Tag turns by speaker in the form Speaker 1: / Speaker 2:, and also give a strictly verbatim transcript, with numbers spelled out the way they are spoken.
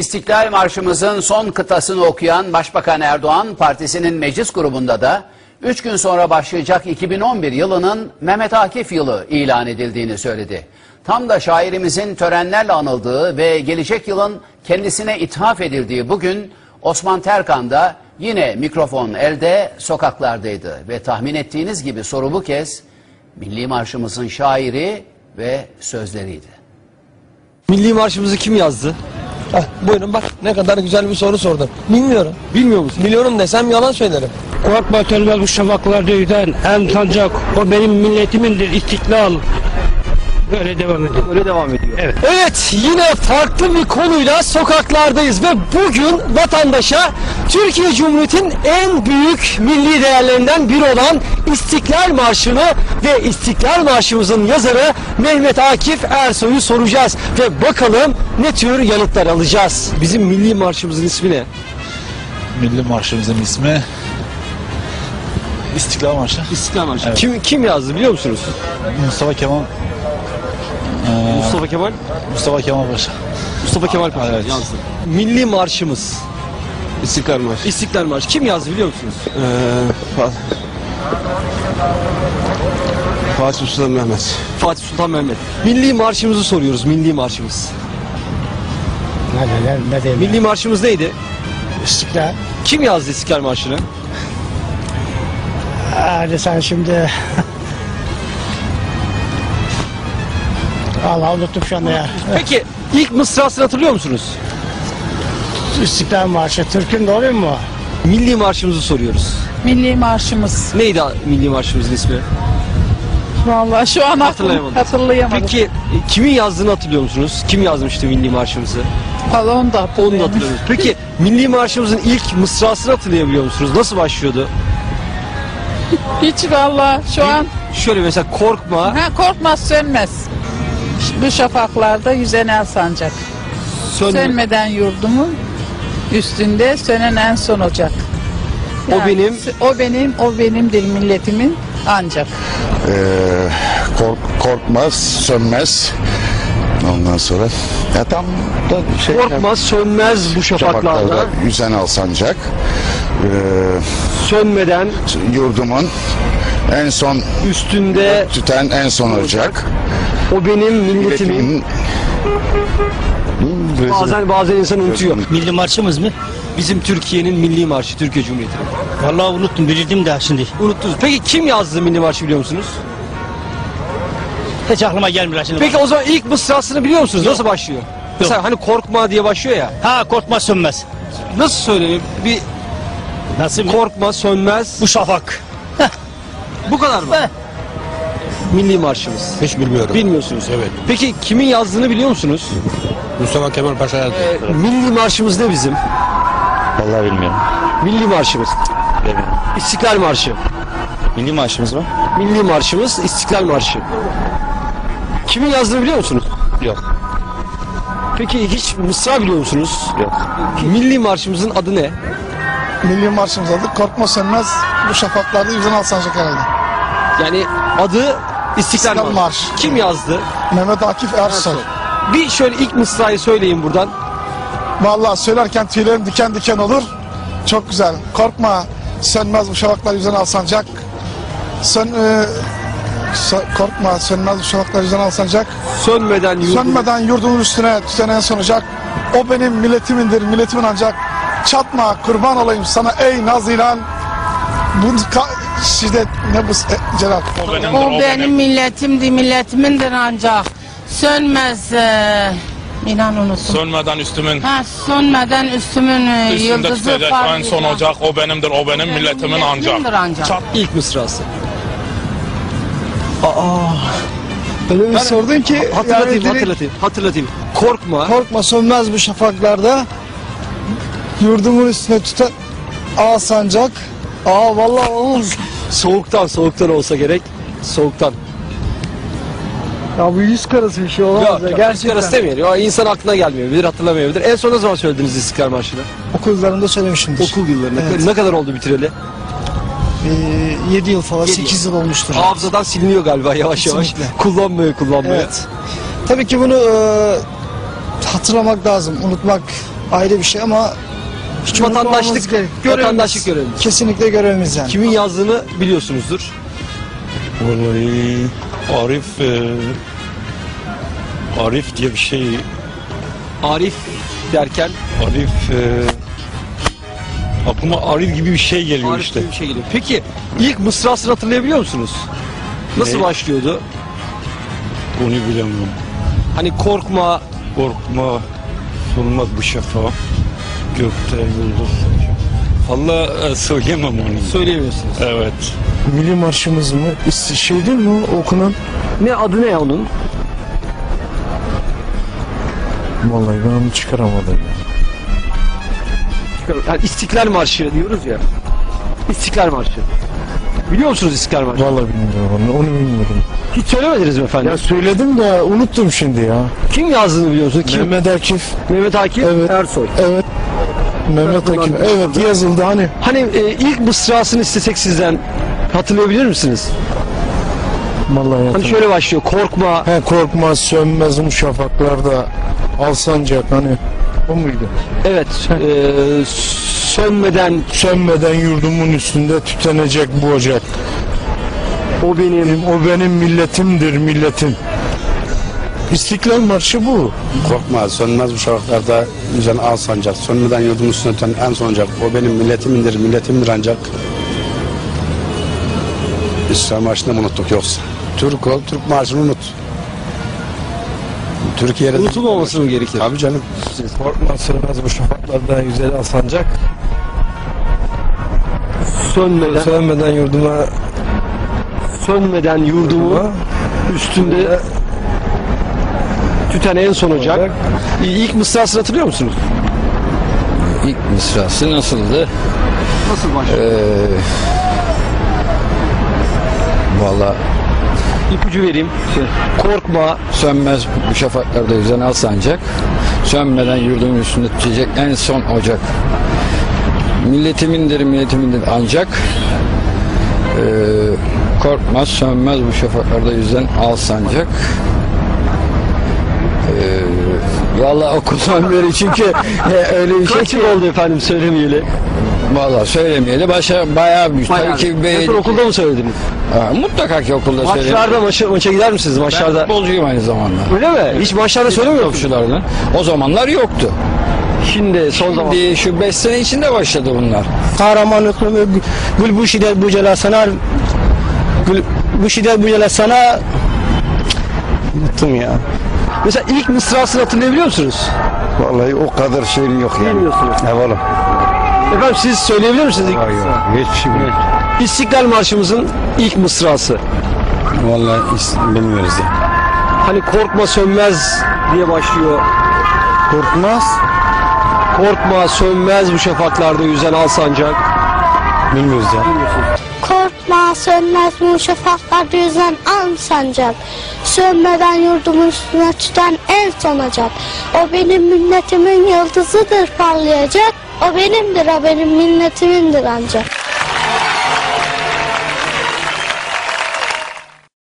Speaker 1: İstiklal Marşımızın son kıtasını okuyan Başbakan Erdoğan, partisinin meclis grubunda da üç gün sonra başlayacak iki bin on bir yılının Mehmet Akif yılı ilan edildiğini söyledi. Tam da şairimizin törenlerle anıldığı ve gelecek yılın kendisine ithaf edildiği bugün Osman Terkan da yine mikrofon elde sokaklardaydı. Ve tahmin ettiğiniz gibi soru bu kez Milli Marşımızın şairi ve sözleriydi.
Speaker 2: Milli Marşımızı kim yazdı?
Speaker 3: Heh, buyurun bak ne kadar güzel bir soru sordun. Bilmiyorum.
Speaker 2: Bilmiyor musun?
Speaker 3: Biliyorum desem yalan söylerim.
Speaker 4: Korkma sönmez bu şafaklarda yüzen en sancak o benim milletimindir istiklal. Böyle devam ediyor.
Speaker 2: Öyle devam ediyor.
Speaker 4: Evet.
Speaker 3: Evet, yine farklı bir konuyla sokaklardayız ve bugün vatandaşa Türkiye Cumhuriyeti'nin en büyük milli değerlerinden biri olan İstiklal Marşı'nı ve İstiklal Marşımızın yazarı Mehmet Akif Ersoy'u soracağız ve bakalım ne tür yanıtlar alacağız.
Speaker 2: Bizim Milli Marşımızın ismi ne?
Speaker 5: Milli Marşımızın ismi İstiklal Marşı.
Speaker 2: İstiklal Marşı.
Speaker 5: Evet.
Speaker 2: Kim kim yazdı biliyor musunuz?
Speaker 5: Mustafa Kemal e,
Speaker 2: Mustafa Kemal.
Speaker 5: Mustafa Kemal Paşa.
Speaker 2: Mustafa Kemal Paşa
Speaker 5: Evet.
Speaker 2: yazdı. Milli Marşımız.
Speaker 6: İstiklal Marşı.
Speaker 2: İstiklal Marşı. Kim yazdı biliyor musunuz?
Speaker 6: Ee, Fa- Fatih Sultan Mehmet.
Speaker 2: Fatih Sultan Mehmet. Milli Marşımızı soruyoruz. Milli Marşımız.
Speaker 4: Ne diyeyim, ne diyeyim.
Speaker 2: Milli Marşımız neydi?
Speaker 4: İstiklal.
Speaker 2: Kim yazdı İstiklal Marşı'nı?
Speaker 4: Hadi sen şimdi... Allah unuttum şu anda ya.
Speaker 2: Peki ilk mısrasını hatırlıyor musunuz?
Speaker 4: İstiklal Marşı. Türk'ün de oluyor mu?
Speaker 2: Milli Marşımızı soruyoruz.
Speaker 7: Milli Marşımız.
Speaker 2: Neydi Milli Marşımızın ismi?
Speaker 7: Vallahi şu an
Speaker 2: Hatırlayamadım.
Speaker 7: hatırlayamadım.
Speaker 2: Peki e, kimin yazdığını hatırlıyor musunuz? Kim yazmıştı Milli Marşımızı?
Speaker 7: Vallahi onu da
Speaker 2: Onu da
Speaker 7: hatırlayamadım.
Speaker 2: hatırlıyoruz. Peki Milli Marşımızın ilk mısrasını hatırlayabiliyor musunuz? Nasıl başlıyordu?
Speaker 7: Hiç vallahi şu an
Speaker 2: Şöyle mesela korkma.
Speaker 7: ha, korkmaz sönmez. Bu şafaklarda yüzen el sancak.
Speaker 2: Sönme.
Speaker 7: Sönmeden yurdumun üstünde sönen en son ocak.
Speaker 2: O benim-
Speaker 7: O benim, o benimdir milletimin ancak.
Speaker 8: Ee, kork, korkmaz, sönmez. Ondan sonra ya tam da şey,
Speaker 2: Korkmaz sönmez bu şafaklarda.
Speaker 8: şafaklarda yüzen al sancak. Ee,
Speaker 2: Sönmeden
Speaker 8: yurdumun en son
Speaker 2: üstünde
Speaker 8: tüten en son ocak.
Speaker 2: o benim milletimin. Bazen bazen insan unutuyor.
Speaker 9: Milli marşımız mı?
Speaker 2: Bizim Türkiye'nin milli marşı, Türkiye Cumhuriyeti'nin.
Speaker 9: Vallahi unuttum, bilirdim de şimdi.
Speaker 2: Unuttunuz. Peki kim yazdı milli marşı biliyor musunuz?
Speaker 9: Hiç aklıma gelmiyor şimdi.
Speaker 2: Peki o zaman ilk mısrasını biliyor musunuz? Nasıl başlıyor? Mesela hani korkma diye başlıyor ya.
Speaker 9: Ha, korkma sönmez.
Speaker 2: Nasıl söyleyeyim? Bir
Speaker 9: Nasıl?
Speaker 2: korkma sönmez.
Speaker 9: Bu şafak.
Speaker 2: Bu kadar mı? Milli marşımız.
Speaker 6: Hiç bilmiyorum.
Speaker 2: Bilmiyorsunuz.
Speaker 6: Evet.
Speaker 2: Peki kimin yazdığını biliyor musunuz?
Speaker 6: Mustafa Kemal Paşa yazdı.
Speaker 2: Ee, milli marşımız ne bizim?
Speaker 10: Vallahi bilmiyorum.
Speaker 2: Milli marşımız.
Speaker 10: Bilmiyorum.
Speaker 2: İstiklal Marşı.
Speaker 10: Milli marşımız mı?
Speaker 2: Milli marşımız İstiklal Marşı. Kimin yazdığını biliyor musunuz?
Speaker 10: Yok.
Speaker 2: Peki hiç mısra biliyor musunuz?
Speaker 10: Yok.
Speaker 2: Milli marşımızın adı ne?
Speaker 3: Milli marşımız adı Korkma Sönmez bu şafaklarda yüzen al sancak herhalde.
Speaker 2: Yani adı İstiklal,
Speaker 3: İstiklal
Speaker 2: Marşı.
Speaker 3: Marşı.
Speaker 2: Kim yazdı?
Speaker 3: Mehmet Akif Ersoy.
Speaker 2: Bir şöyle ilk mısrayı söyleyin buradan.
Speaker 3: Vallahi söylerken tüylerim diken diken olur. Çok güzel. Korkma sönmez bu şafaklar yüzen al sancak. Sön, e, so- korkma sönmez bu şafaklar yüzen al sancak.
Speaker 2: Sönmeden yurdum.
Speaker 3: Sönmeden yurdumun üstüne tüten en son ocak. O benim milletimindir, milletimin ancak. Çatma kurban olayım sana ey nazilan. Bu ka- şiddet ne bu e, Celal?
Speaker 11: O benim milletimdi, milletimindir ancak. Sönmez, e, inan unuttum.
Speaker 12: Sönmeden üstümün
Speaker 11: Ha, sönmeden üstümün e,
Speaker 12: üstünde
Speaker 11: yıldızı
Speaker 12: tutacak en
Speaker 11: parlayacak.
Speaker 12: son ocak o benimdir o benim
Speaker 11: Benim
Speaker 12: milletimin ancak.
Speaker 11: milletimindir ancak.
Speaker 2: İlk mısrası.
Speaker 3: Öyle bir sordun ki
Speaker 2: Hatırlatayım,
Speaker 3: yani direkt-
Speaker 2: hatırlatayım, hatırlatayım. Korkma.
Speaker 3: Korkma sönmez bu şafaklarda. Yurdumun üstüne tutan al sancak. Aa vallahi olmaz.
Speaker 2: Soğuktan, soğuktan olsa gerek. Soğuktan.
Speaker 3: Ya bu yüz karası bir şey olamaz
Speaker 2: Yok,
Speaker 3: ya.
Speaker 2: yok,
Speaker 3: Gerçekten.
Speaker 2: Gerçekten demeyelim. O insan aklına gelmeyebilir, hatırlamayabilir. En son ne zaman söylediniz İstiklal Marşı'nı?
Speaker 3: Okul yıllarında söylemişimdir.
Speaker 2: Okul yıllarında.
Speaker 3: Evet.
Speaker 2: Ne kadar oldu bitireli?
Speaker 3: Ee, yedi yıl falan,
Speaker 2: Yedi
Speaker 3: sekiz yıl olmuştur.
Speaker 2: Hafızadan siliniyor galiba yavaş yavaş.
Speaker 3: Kesinlikle.
Speaker 2: Kullanmıyor, kullanmıyor.
Speaker 3: Evet. Tabii ki bunu e,
Speaker 13: hatırlamak lazım. Unutmak ayrı bir şey ama hiç
Speaker 3: Vatandaşlık,
Speaker 13: unutmamamız gerek- görevimiz.
Speaker 3: vatandaşlık görevimiz.
Speaker 13: Kesinlikle görevimiz yani.
Speaker 3: Kimin yazdığını biliyorsunuzdur.
Speaker 6: Vallahi Arif e, Arif diye bir şey.
Speaker 3: Arif derken
Speaker 6: Arif e, aklıma Arif gibi bir şey geliyor
Speaker 3: Arif
Speaker 6: işte.
Speaker 3: gibi bir şey geliyor. Peki ilk mısrasını hatırlayabiliyor musunuz? Nasıl
Speaker 6: Ne?
Speaker 3: başlıyordu?
Speaker 6: Onu bilemiyorum.
Speaker 3: Hani korkma,
Speaker 6: Korkma, solmaz bu şafa, gökte yıldız. Vallahi e, söyleyemem onu.
Speaker 3: söyleyemiyorsunuz.
Speaker 6: Evet.
Speaker 14: Milli marşımız mı? Şey değil mi o okunan?
Speaker 3: Ne adı ne ya onun?
Speaker 14: Vallahi ben onu çıkaramadım.
Speaker 3: Yani İstiklal Marşı diyoruz ya. İstiklal Marşı. Biliyor musunuz İstiklal Marşı?
Speaker 14: Vallahi bilmiyorum onu, onu bilmiyorum.
Speaker 3: Hiç söylemediniz mi efendim?
Speaker 14: Ya söyledim de unuttum şimdi ya.
Speaker 3: Kim yazdığını biliyor musunuz? Kim?
Speaker 14: Mehmet Akif.
Speaker 3: Mehmet Akif
Speaker 14: Evet.
Speaker 3: Ersoy.
Speaker 14: Evet. Mehmet
Speaker 3: Tarafından
Speaker 14: Akif. Evet yazıldı hani.
Speaker 3: Hani e, ilk mısrasını istesek sizden hatırlayabilir misiniz?
Speaker 14: Vallahi
Speaker 3: Hani
Speaker 14: hatırlamıyorum.
Speaker 3: şöyle başlıyor. Korkma.
Speaker 14: He korkma sönmez bu şafaklarda alsancak hani. O muydu?
Speaker 3: Evet. E, sönmeden
Speaker 14: Sönmeden yurdumun üstünde tütenecek bu ocak.
Speaker 3: o benim.
Speaker 14: O benim milletimdir milletim. İstiklal Marşı bu.
Speaker 6: Korkma, sönmez bu şafaklarda yüzen al sancak. Sönmeden yurdumun üstüne öten en son ocak. O benim milletimindir, milletimdir ancak. İstiklal Marşı'nı mı unuttuk yoksa? Türk ol, Türk Marşı'nı unut. Türkiye'de...
Speaker 3: Unutulmaması mı gerekir?
Speaker 6: Tabii canım.
Speaker 14: Korkma sönmez bu şafaklarda güzel alsancak.
Speaker 3: Sönmeden,
Speaker 14: Sönmeden yurduma
Speaker 3: sönmeden yurdumu üstünde tüten en son ocak. İlk mısrasını hatırlıyor musunuz?
Speaker 2: İlk mısrası nasıldı?
Speaker 3: Nasıl başlıyor?
Speaker 2: Ee, Valla
Speaker 3: İpucu vereyim. Korkma.
Speaker 2: sönmez bu şafaklarda yüzen al sancak. Sönmeden yurdumun üstünde tütecek en son ocak. Milletimindir, milletimindir ancak. Ee, korkmaz, sönmez bu şafaklarda yüzen al sancak. Ee, Valla okuldan beri çünkü e, öyle bir şey
Speaker 3: Kaç
Speaker 2: ki.
Speaker 3: yıl oldu efendim söylemeyeli?
Speaker 2: Valla söylemeyeli başa bayağı bir tabii ki
Speaker 3: En
Speaker 2: be,
Speaker 3: son okulda mı söylediniz?
Speaker 2: ha, mutlaka ki okulda söyledim.
Speaker 3: Maçlarda maça, maça gider misiniz
Speaker 2: Ben
Speaker 3: maçlarda?
Speaker 2: futbolcuyum aynı zamanda.
Speaker 3: Öyle mi? Hiç maçlarda söylemiyor musunuz?
Speaker 2: Topçulardan. O zamanlar yoktu.
Speaker 3: Şimdi son zaman.
Speaker 2: Şimdi şu beş sene içinde başladı bunlar.
Speaker 13: Kahramanlıklı gül bu şiddet bu cela sana gül bu şiddet bu cela sana unuttum ya.
Speaker 3: Mesela ilk mısrasını hatırlayabiliyor musunuz?
Speaker 8: Vallahi o kadar şeyin yok yani.
Speaker 3: Bilmiyorsunuz.
Speaker 8: Eyvallah.
Speaker 3: Efendim siz söyleyebilir misiniz ilk mısrasını?
Speaker 8: Hiç şey bilmiyorum.
Speaker 3: İstiklal Marşımızın ilk mısrası.
Speaker 6: Vallahi bilmiyoruz ya.
Speaker 3: Hani korkma sönmez diye başlıyor.
Speaker 14: korkmaz.
Speaker 3: Korkma sönmez bu şafaklarda yüzen al sancak.
Speaker 6: Bilmiyoruz ya.
Speaker 15: Korkma sönmez bu şafaklarda yüzen al sancak. Sönmeden yurdumun üstüne tüten en son ocak. O benim milletimin yıldızıdır parlayacak. O benimdir, o benim milletimindir ancak.